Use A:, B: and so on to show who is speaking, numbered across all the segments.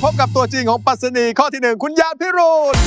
A: พบกับตัวจริงของปรัชนีข้อที่ 1คุณหยาดพิรุณ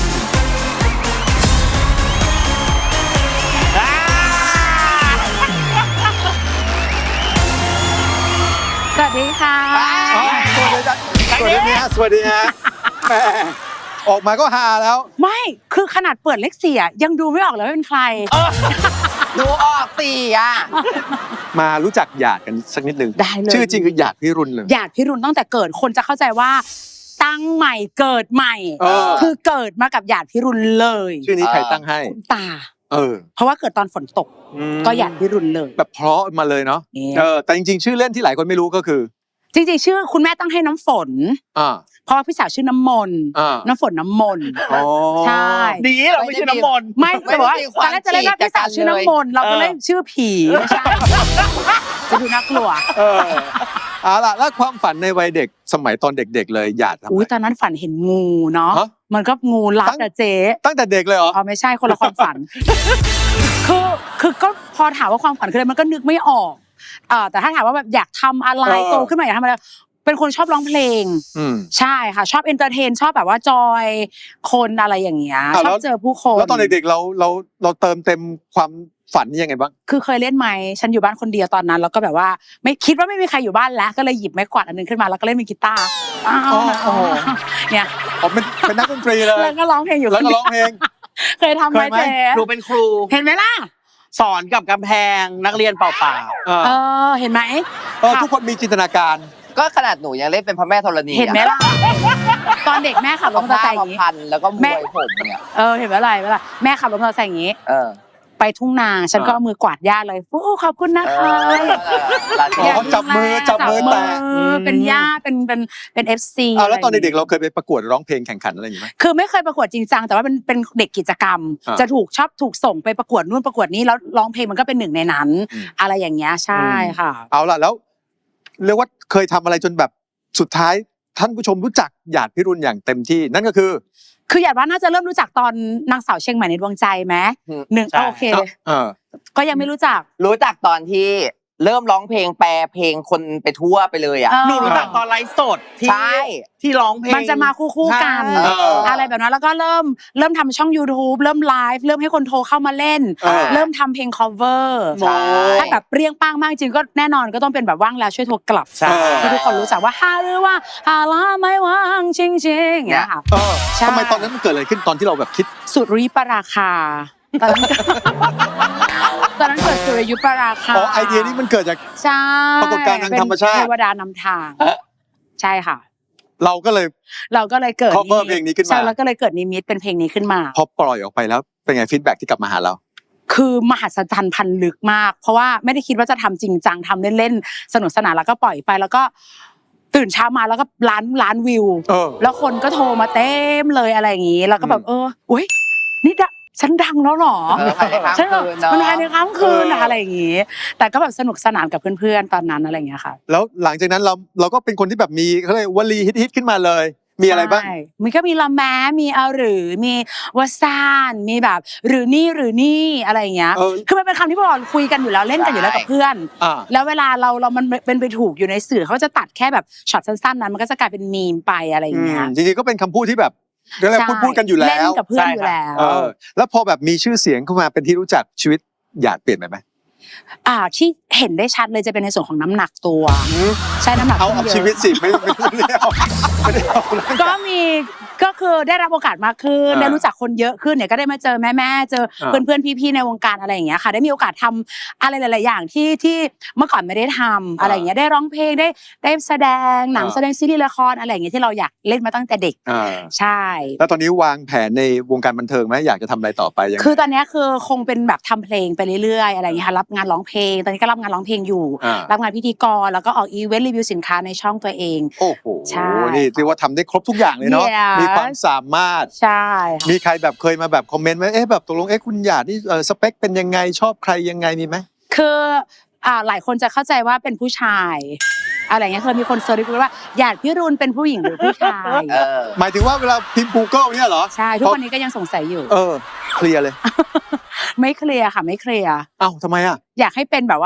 B: สวัสดีค่ะ
A: สวัสดีจ้ะสวัสดีฮะสวัสดีฮะแหมออกมาก็ฮาแล้ว
B: ไม่คือขนาดเปิดเลข4ยังดูไม่ออกเลยว่าเป็นใคร
C: ดูออกตีอ่ะ
A: มารู้จักหยาดกันสักนิดนึง
B: ได้เลย
A: ชื่อจริงคือหยาดพิรุณเลย
B: หยาดพิรุณตั้งแต่เกิดคนจะเข้าใจว่าตั้งใหม่เกิดใหม่คือเกิดมากับหยาดพิรุณเลย
A: ชื่อนี้ใครตั้งให้
B: ตาเพราะว่าเกิดตอนฝนตกก็หยาดพิรุณเลย
A: แบบเพราะมาเลยเนาะแต่จริงๆชื่อเล่นที่หลายคนไม่รู้ก็คือ
B: จริงๆชื่อคุณแม่ตั้งให้น้ำฝนเพราะพี่สาวชื่อน้ำมนน้ำฝนน้ำมนใช่
C: ดีเราไม่ชื่อน้ำมน
B: ไม่แต่ว่าตอนแรกจะเล่นว่าพี่สาวชื่อน้ำมนเราก็เล่นชื่อผีไม่ใช่จะดูน่ากลัว
A: เอาล่ะแล้วความฝันในวัยเด็กสมัยตอนเด็กๆเลยหยาดทำ
B: อุ้ยตอนนั้นฝันเห็นงูเนาะมันก็งูรัดอะเจ๊
A: ตั้งแต่เด็กเลยเหรอ
B: ไม่ใช่คนละความฝันคือก็พอถามว่าความฝันคืออะไรมันก็นึกไม่ออกแต่ถ้าถามว่าแบบอยากทำอะไรโตขึ้นมาอยากทำอะไรเป็นคนชอบร้องเพลงใช่ค่ะชอบเอนเตอร์เทนชอบแบบว่าจอยคนอะไรอย่างเงี้ยชอบเจอผู้คน
A: แล้วตอนเด็กๆเราเติมเต็มความฝันนี่ยังไงบ้าง
B: คือเคยเล่นไหมฉันอยู่บ้านคนเดียวตอนนั้นแล้วก็แบบว่าไม่คิดว่าไม่มีใครอยู่บ้านแล้วก็เลยหยิบไม้กวาดอันนึงขึ้นมาแล้วก็เล่นมีกีตาร์เนี่ย
A: เป็นนักดนตรีเลย
B: แล้วก็ร้องเพลงอยู่
A: แล้วก็ร้องเพลง
B: เคยทำไหมเจ๊
C: ครูเป็นครู
B: เห็นไหมล่ะ
C: สอนกับกำแพงนักเรียนเปล่า
B: เห็นไหม
A: ทุกคนมีจินตนาการ
C: ก็ขนาดหนูยังเล่นเป็นพระแม่ธรณี
B: เห็นไหมล่ะตอนเด็กแม่ขับรถมอเตอร์ไซค์อย่างนี้
C: แล้วก็มวยผมเนี่ย
B: เห็นไหมล่ะแม่ขับรถมอเตอร์ไซค์อย่างนี้ไปทุ่งนาฉันก็เอามือกวาดหญ้าเลยโอ้ขอบคุณนะคะ
A: จับมือแตะ
B: เป็นหญ้าเป็น FC
A: แล้วตอนเด็กๆเราเคยไปประกวดร้องเพลงแข่งขันอะไรอย่างนี้ไหม
B: คือไม่เคยประกวดจริงจังแต่ว่าเป็นเด็กกิจกรรมจะถูกส่งไปประกวดนู่นประกวดนี้แล้วร้องเพลงมันก็เป็นหนึ่งในนั้นอะไรอย่างเงี้ยใช่ค่ะ
A: เอาล่ะแล้วเรียกว่าเคยทำอะไรจนแบบสุดท้ายท่านผู้ชมรู้จักหยาดพิรุณอย่างเต็มที่นั่นก็คือ
B: หยาดว่าน่าจะเริ่มรู้จักตอนนางสาวเชียงใหม่ในดวงใจไหมโอเคก็ยังไม่รู้จัก
C: ตอนที่เริ่มร้องเพลงแปลเพลงคนไปทั่วไปเลยอ่ะหนูรู้จักตอนไลฟ์สดที่ร้องเพลง
B: มันจะมาคู่กันอะไรแบบนั้นแล้วก็เริ่มทำช่อง YouTube เริ่มไลฟ์เริ่มให้คนโทรเข้ามาเล่นเริ่มทำเพลง cover ถ้าแบบเปรี้ยงป้างมากจริงก็แน่นอนก็ต้องเป็นแบบว่างแล้วช่วยโทรกลับที่ทุกคนรู้จักว่าฮาหรือว่าฮาลาไม่ว่างจริงๆอย่างเงี้ยค่ะ
A: ทำไมตอนนั้นมันเกิดอะไรขึ้นตอนที่เราแบบคิด
B: สุริปราคาตอนนั้นเกิดสุริยุปราคา
A: ไอเดียนี้มันเกิดจากปรากฏการณ์ทางธรรมชาติ
B: เทวดานำทางใช่ค่ะ
A: เราก็เลย
B: เกิด
A: เพลงนี้ขึ้นมา
B: ใช่แล้วก็เลยเกิดนิมิตเป็นเพลงนี้ขึ้นมา
A: พอปล่อยออกไปแล้วเป็นไงฟีดแบ็กที่กลับมาหาเรา
B: คือมหัศจรรย์พันลึกมากเพราะว่าไม่ได้คิดว่าจะทำจริงจังทำเล่นๆสนุกสนานแล้วก็ปล่อยไปแล้วก็ตื่นเช้ามาแล้วก็ล้านวิวแล้วคนก็โทรมาเต็มเลยอะไรอย่างงี้แล้วก็แบบอุ๊ยนี่ฉันดังแล้วหรอฉันมันภายในค่ำคืนอะไรอย่างงี้แต่ก็แบบสนุกสนานกับเพื่อนๆตอนนั้นอะไรอย่างเงี้ยค่ะ
A: แล้วหลังจากนั้นเราก็เป็นคนที่แบบมีเขาเรียกวลีฮิตขึ้นมาเลยมีอะไรบ้าง
B: มันก็มีละแม้มีเอาหรือมีวสานมีแบบหรือนี่อะไรอย่างเงี้ยคือมันเป็นคำที่พวกเราคุยกันอยู่แล้วเล่นกันอยู่แล้วกับเพื่อนแล้วเวลาเรามันเป็นไปถูกอยู่ในสื่อเขาจะตัดแค่แบบช็อตสั้นๆนั้นมันก็จะกลายเป็นมีมไปอะไรอย่างเงี้ย
A: จริงๆก็เป็นคำพูดที่แบบเรื่องพูดกันอยู่แล้วเล่
B: นกับเพื่อนอยู่แล้ว
A: แล้วพอแบบมีชื่อเสียงเข้ามาเป็นที่รู้จักชีวิตหยาดเปลี่ยนไปไหม
B: ที่เห็นได้ชัดเลยจะเป็นในส่วนของน้ำหนักตัวใช่น้ำหนัก
A: เอาชีวิตสิไม่ได้เอา
B: ก็มีก็คือได้รับโอกาสมากขึ้นได้รู้จักคนเยอะขึ้นเนี่ยก็ได้มาเจอแม่เจอเพื่อนพี่ๆในวงการอะไรอย่างเงี้ยค่ะได้มีโอกาสทำอะไรหลายๆอย่างที่เมื่อก่อนไม่ได้ทำอะไรอย่างเงี้ยได้ร้องเพลงได้แสดงหนังแสดงซีรีส์ละครอะไรอย่างเงี้ยที่เราอยากเล่นมาตั้งแต่เด็กใช่
A: แล้วตอนนี้วางแผนในวงการบันเทิงไหมอยากจะทำอะไรต่อไปยัง
B: คือตอนนี้คือคงเป็นแบบทำเพลงไปเรื่อยๆอะไรอย่างเงี้ยค่ะรับงานร้องเพลงตอนนี้ก็รับงานร้องเพลงอยู่รับงานพิธีกรแล้วก็ออกอีเวนต์รีวิวสินค้าในช่องตัวเอง
A: โอ้โหนี่เรียกว่าทำได้ครบทุกอย่างเลยเนาะมีความสามารถ
B: ใช่
A: มีใครแบบเคยมาแบบคอมเมนต์ไหมแบบตกลงคุณหยาดนี่สเปคเป็นยังไงชอบใครยังไงมีไหม
B: คือหลายคนจะเข้าใจว่าเป็นผู้ชายอะไรเงี้ยเคยมีคนเซิร์ชว่าหยาดพิรุณเป็นผู้หญิงหรือผู้ชาย
A: หมายถึงว่าเวลาพิมพ์ Google เนี่ยเหรอ
B: ใช่ทุกวันนี้ก็ยังสงสัยอยู่
A: เคลียร์เลย
B: ไม่เคลียร์ค่ะไม่เคลียร์
A: ทำไม
B: อยากให้เป็นแบบว่า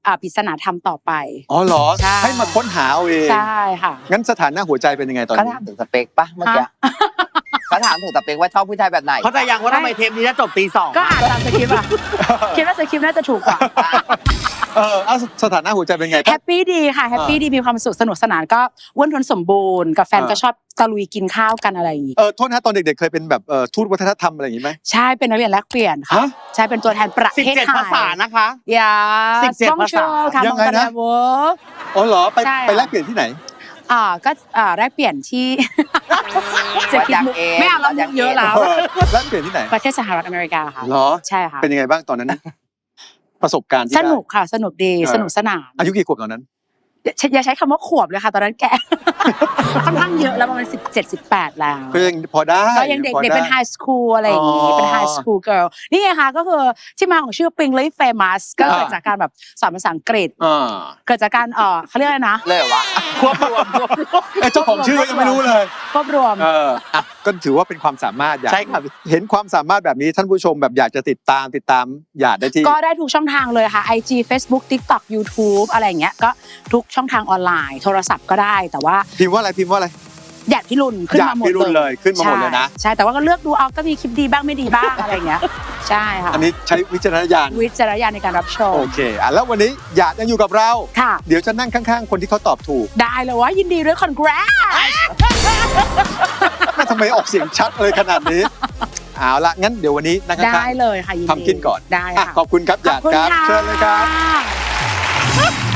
B: ปริศนาธรรมต่อไป
A: อ๋อเหรอ
B: ใช่
A: ให้มาค้นหาเอาเอง
B: ใช่ค่ะ
A: งั้นสถานะหัวใจเป็นยังไงตอน
C: เขา
A: นี้
C: ถามถึงสเปคปะเมื่อกี้เขาถามถึงสเปคว่าชอบผู้ชายแบบไหน
D: เข้าใจยังว่าทำไมเทปนี้จะจบตี 2
B: ก็อ่านตามสคริปต์อะคิดว่าสคริปต์น่าจะถูกกว่า
A: เอาสถานะหัวใจเป็นไง
B: แฮปปี้ดีค่ะแฮปปี้ดีมีความสุขสนุกสนานก็อ้วนท้วนสมบูรณ์กับแฟนก็ชอบตะลุยกินข้าวกันอะไรอย่างงี้
A: โทษนะตอนเด็กๆเคยเป็นแบบทูตวัฒนธรรมอะไรอย่างงี้ไหม
B: ใช่เป็นนักเรียนแลกเปลี่ยนค่ะ
A: ฮะ
B: ใช่เป็นตัวแทนประเทศไทย
D: 17 ภาษานะคะ
B: อย่า
D: 17 ภาษา
B: ค่ะ
A: ยังไงนะ
B: มองตาเวอร์
A: อ๋อเหรอไป
B: ใช่
A: ไปแลกเปลี่ยนที่ไหน
B: ก็แลกเปลี่ยนที่จะคิดมุกไม่เอาแล้วมุกเยอะแล้ว
A: แลกเปลี่ยนที่ไหน
B: ประเทศสหรัฐอเมริกาค่ะ
A: เหรอ
B: ใช่ค่ะ
A: เป็นยังไงบ้างตอนนั้น ประสบการณ์ที่
B: ส
A: ได้
B: นุกค่ะสนุกดีสนุกสนาน
A: อายุกี่ขวบตอนนั้น
B: อย่าใช้คำว่าขวบเลยค่ะ ตอนนั้นแก ค่อนข้างเยอะแล้วประมาณ17-18 แล้ว
A: ก็ยังพอได้
B: ก็ยังเด็ก
A: พอ
B: เด็ก
A: ได้
B: เป็นไฮสคูลอะไรอย่างงี้
A: อ๋อ
B: เป็นไฮสคูลเกิร์ลนี่ไงคะก็คือที่มาของชื่อ Pingly Famous ก็เกิดจากการแบบสอนภาษาอังกฤษ
A: อ่า
B: เกิดจากการเขาเรียกอะไรนะ
C: เลยเหรอวะ
D: ควบรวม
A: เจ้าของชื่อยังไม่รู้เลย
B: รวบรวม
A: ก็ถือว่าเป็นความสามารถอยาก
D: ใช่ครับ
A: เห็นความสามารถแบบนี้ท่านผู้ชมแบบอยากจะติดตามหยาดได้ที่
B: ก็ได้ทุกช่องทางเลยค่ะ IG Facebook TikTok YouTube อะไรอย่างเงี้ยก็ทุกช่องทางออนไลน์โทรศัพท์ก็ได้แต่ว่า
A: พิมพ์ว่าอะไร
B: หยาดพี่รุนขึ้นมาหมด
A: หยาดพี่รุ่นเลยขึ้นมาหมดเลยนะ
B: ใช่แต่ว่าก็เลือกดูเอาก็มีคลิปดีบ้างไม่ดีบ้างอะไรอย่างเงี้ยใช่ค่ะ
A: อันนี้ใช้วิจารณญาณ
B: วิจารณญาณในการรับชม
A: โอเคแล้ววันนี้หยาดยังอยู่กับเรา
B: ค่ะ
A: เดี๋ยวจะนั่งข้างๆ คนที่เขาตอบถูก
B: ได้เลยว่ายินดีด้วย congrats
A: แม่ทำไมออกเสียงชัดเลยขนาดนี้เอาละงั้นเดี๋ยววันนี้นั่งข้า
B: ได้
A: ง
B: เลยค่ะยินดี
A: ทำกินก่อน
B: ได้
A: อ่ะ
B: ค่ะ
A: ขอบคุณครับหยาดครับ
B: ขอบคุณค่ะ
A: เชิญเลยครับ